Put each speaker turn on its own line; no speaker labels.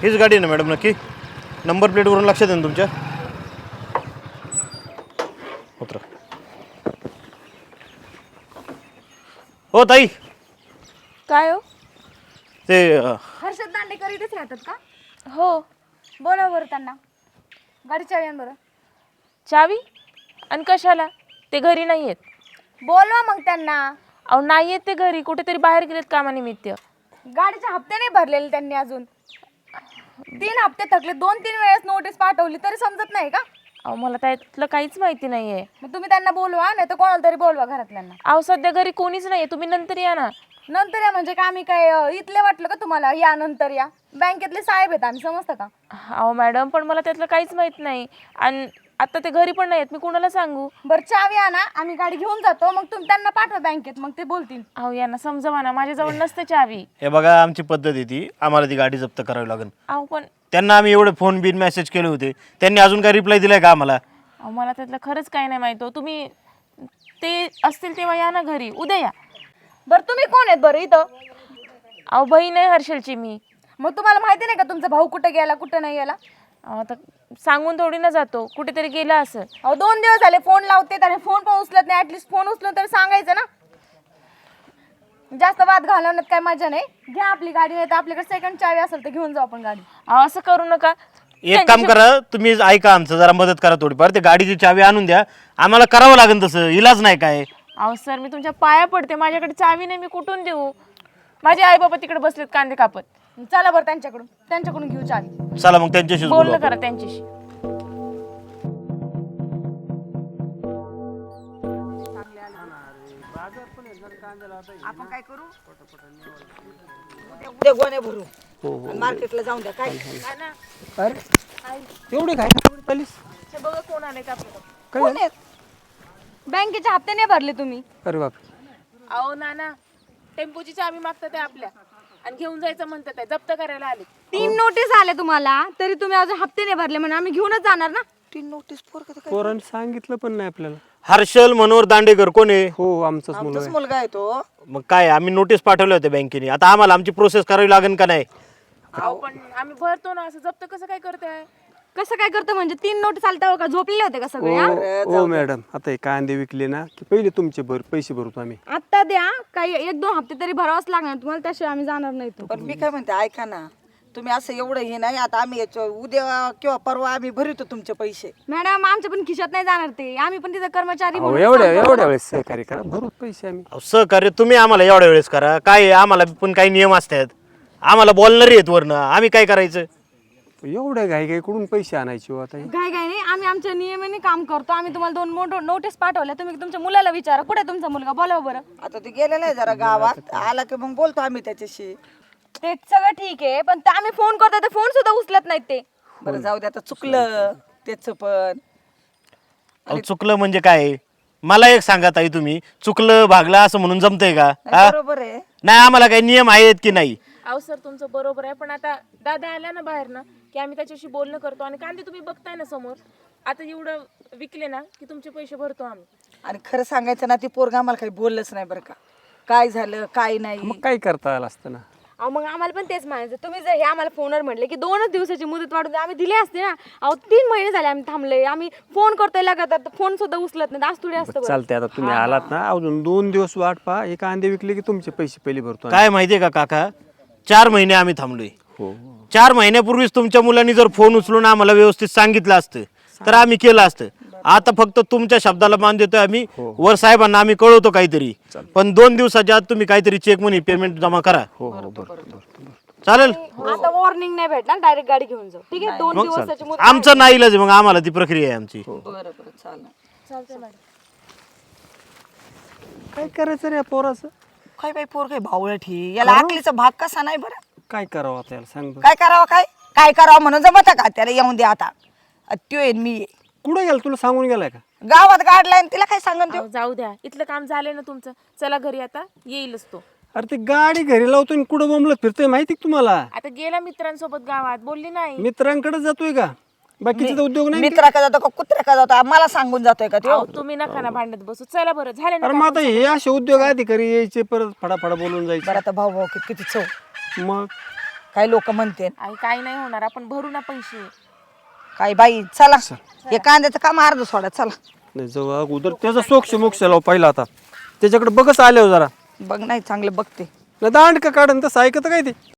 हीच गाडी आहे ना मॅडम नक्की? नंबर प्लेटवरून लक्षात आहे ना तुमच्या? उतरा. हो ताई,
काय हो?
ते
हर्षद दांडेकर इथेच राहतात का?
हो.
बोला बरं त्यांना. गाडी चावी आण बरं.
चावी? आणि कशाला? ते घरी नाही आहेत.
बोलवा मग त्यांना.
अहो नाही आहेत ते घरी, कुठेतरी बाहेर गेलेत कामानिमित्त.
गाडीचे हप्ते नाही भरलेले त्यांनी अजून. 3 हप्ते थकले, 2-3 वेळेस नोटीस पाठवली तरी समजत नाही का?
अहो मला त्यातलं काहीच माहिती नाहीये.
मग तुम्ही त्यांना बोलवा, नाही तर कोणाला तरी बोलवा घरातल्यांना.
अहो सध्या घरी कोणीच नाहीये, तुम्ही नंतर या ना.
नंतर या म्हणजे का आम्ही काय इथले वाटलं का तुम्हाला? या नंतर या. बँकेतले साहेब आहेत आम्ही, समजतं का?
अहो मॅडम, पण मला त्यातलं काहीच माहित नाही. आणि आता ते घरी पण नाहीत, मी कोणाला सांगू?
बरं चावी आणा, आम्ही गाडी घेऊन जातो, मग तुम्ही त्यांना पाठवा बँकेत, मग ते बोलतील.
अहो यांना समजवा ना, माझ्याजवळ नसते चावी.
हे बघा, आमची पद्धत आहे ती, आम्हाला ती गाडी जप्त करावी लागेल.
अहो पण
त्यांना आम्ही एवढे फोन बिन मेसेज केले होते, त्यांनी अजून काय रिप्लाय दिलाय का आम्हाला?
अहो मला त्यातलं खरंच काही नाही माहित हो. तुम्ही ते असतील तेव्हा या ना घरी, उद्या या.
बरं तुम्ही कोण आहेत बरं इथं?
अहो बहीण आहे हर्षलची मी.
मग तुम्हाला माहिती नाही का तुमचा भाऊ कुठे गेला कुठं नाही गेला?
अहो आता सांगून थोडी ना जातो, कुठेतरी गेला असं.
अहो 2 दिवस झाले फोन लावते, त्याने फोन पण उचलत नाही. ऍटलीस्ट फोन उचलून तरी सांगायचं ना. जास्त वाद घालवण्यात काय मजा नाही. घ्या आपली गाडी, नाही तर आपल्याकडे सेकंड चावी असेल तर घेऊन जाऊ आपण गाडी.
अहो असं करू नका.
एक काम करा, तुम्ही ऐका आमचं, जरा मदत करा थोडीफार. ते गाडीची चावी आणून द्या, आम्हाला करावं लागेल तसं, इलाज नाही काय.
अहो सर, मी तुमच्या पाया पडते, माझ्याकडे चावी नाही, मी कुठून देऊ? माझे आई बाबा तिकडे बसलेत कांदे कापत.
चला बरं त्यांच्याकडून घेऊ चावी.
चला मग त्यांच्याशी
बोलणं करा त्यांच्याशी.
आपण काय करू? उद्या गोण्या भरू मार्केटला जाऊन द्या. काय
एवढे काय चालीस?
हे बघा कोण आले का आपल्याला.
कोण आहेत? बँकेचे हप्ते नाही भरले तुम्ही?
अरे बाप,
अहो नाना, टेम्पोची चावी मागतात आहे आपल्या आणि घेऊन जायचं म्हणतात आहे, जप्त करायला आले.
3 नोटीस आले तुम्हाला, तरी तुम्ही अजून हप्ते नाही भरले म्हणून आम्ही घेऊनच जाणार ना.
3 नोटीस
पोरांनी सांगितलं पण नाही आपल्याला.
हर्षल मनोहर दांडेकर कोण आहे?
हो, आमचाच मुलगा
आमचाच
आहे.
मुलगा आहे तो.
मग काय, आम्ही नोटीस पाठवल्या होत्या बँकेने, आता आम्हाला आमची प्रोसेस करावी लागेल का नाही?
अहो पण आम्ही भरतो ना, असं जप्त कसं काय करताय?
कसं काय करतं म्हणजे? 3 नोटीस आले तेव्हा का झोपलेले होते का सगळे? हा?
हो मॅडम, आता हे कांदे विकले ना की पहिले तुमचे पैसे भरतो आम्ही.
आत्ता द्या, काही 1-2 हप्ते तरी भरावाच लागणार तुम्हाला, त्याशिवाय आम्ही जाणार नाही. तो
पण मी काय म्हणते, ऐका ना, तुम्ही असं एवढं हे नाही. आता आम्ही उद्या किंवा परवा आम्ही भरतो तुमचे पैसे.
मॅडम आमच्या पण खिशात नाही जाणार ते, आम्ही पण तिथे कर्मचारी
अहो,
म्हणून
एवढ्या
काम करतो.
वेळेस सहकार्य करा, भरू पैसे आम्ही.
अहो, सहकार्य तुम्ही आम्हाला एवढ्या वेळेस करा, काय आहे, आम्हाला पण काही नियम असतात, आम्हाला बोलणारे आहेत वरनं, आम्ही काय करायचं?
एवढ्या घाई कडून पैसे आणायचे हो आता हे?
काय काय नाही, आम्ही आमच्या नियमाने काम करतो. आम्ही तुम्हाला 2 नोटीस पाठवल्या, तुम्ही तुमच्या मुलाला विचारा कुठे तुमचा मुलगा, बोला बरं.
आता ते गेलेला आहे जरा गावात, आला की मग बोलतो आम्ही त्याच्याशी.
ते सगळं ठीक आहे, पण ते आम्ही फोन करतो तर फोन सुद्धा उचलत नाहीत ते.
बरं जाऊ दे, आता चुकलं त्याच पण.
अहो, चुकलं म्हणजे काय? मला एक सांगा ताई, तुम्ही चुकलं भागलं असं म्हणून जमतंय का? हा?
बरोबर आहे.
नाही, आम्हाला काही नियम आहेत की नाही?
अहो सर, तुमचं बरोबर आहे, पण आता दादा आला ना बाहेर ना की आम्ही त्याच्याशी बोलणं करतो. आणि कांदे तुम्ही बघताय ना समोर, आता एवढं विकले ना की तुमचे पैसे भरतो आम्ही.
आणि खरं सांगायचं ना, ती पोरगा आम्हाला काही बोललंच नाही बरं का, काय झालं काय नाही.
मग काय करता आलं असतं ना.
अहो मग आम्हाला पण तेच म्हणायचं, तुम्ही जर हे आम्हाला फोनवर म्हटले की 2च दिवसाची मुदत वाढून द्या, आम्ही दिली असते ना. अहो 3 महिने झाले आम्ही थांबले, आम्ही फोन करतोय लगातार, फोन सुद्धा उचलत नाही. आज थोडी असतं बरं.
चालते, आता तुम्ही आलात ना, अजून 2 दिवस वाट पहा. हे कांदे विकले की तुमचे पैसे पहिले भरतो आम्ही.
काय माहितीये का काका, 4 महिने आम्ही थांबलोय.
हो,
4 महिन्यापूर्वीच तुमच्या मुलांनी जर फोन उचलून आम्हाला व्यवस्थित सांगितलं असतं तर आम्ही केलं असतं. आता फक्त तुमच्या शब्दाला मान देतोय आम्ही, वर साहेबांना आम्ही कळवतो काहीतरी. पण 2 दिवसाच्या आत तुम्ही काहीतरी चेक मनी पेमेंट जमा करा.
हो, हो, बरं.
चालेल?
आता वॉर्निंग नाही भेटणार, डायरेक्ट गाडी घेऊन जाऊ. ठीक आहे, 2 दिवसाची मुदत.
आमचं नाही इलाज आहे, मग आम्हाला ती प्रक्रिया आहे आमची.
बरं चालेल.
चालतंय मॅडम.
काय करायचं रे या पोराचं?
काय बाई पोर काय भावळट ही, याला आकलीचा भाग कसा नाही बरं.
काय करावं आता याला सांग बरं.
काय करावं काय करावं म्हणून जमत का? त्याला येऊन दे आता. त्यो येईन मी ये.
कुठे गेला, तुला सांगून गेलाय का?
गावात काढलाय तिला काय सांगन त्यो.
अहो, जाऊ द्या, इथलं काम झालंय ना तुमचं, चला घरी, आता येईलच तो.
अरे ते गाडी घरी लावतो आणि कुठं बोंबलत फिरतोय माहिती का तुम्हाला?
आता गेला मित्रांसोबत गावात, बोलली नाही.
मित्रांकडे जातोय का? बाकीचे तर उद्योग नाही.
मित्रा का जातो का कुत्र्या का जातो मला सांगून जातोय का त्यो?
अहो, तुम्ही नका ना भांडत बसू, चला बरं, झाले ना
अरे मग आता हे असे उद्योग अधिकारी यायचे, परत फडाफडा बोलून जायचे.
बरं आता भाऊ किती चव.
मग
काय लोक म्हणते
आई काही नाही होणार, आपण भरू ना पैसे.
काय बाई चला हे कांद्याचं काम अर्ध सोडा चला.
नाही जाऊ अगोदर त्याचा सोक्ष मोक्ष लाव पहिला आता, त्याच्याकडे बघच आल्यावर जरा
बघ नाही चांगलं बघते.
नाही दांड का काढून तसं ऐकत काय ते.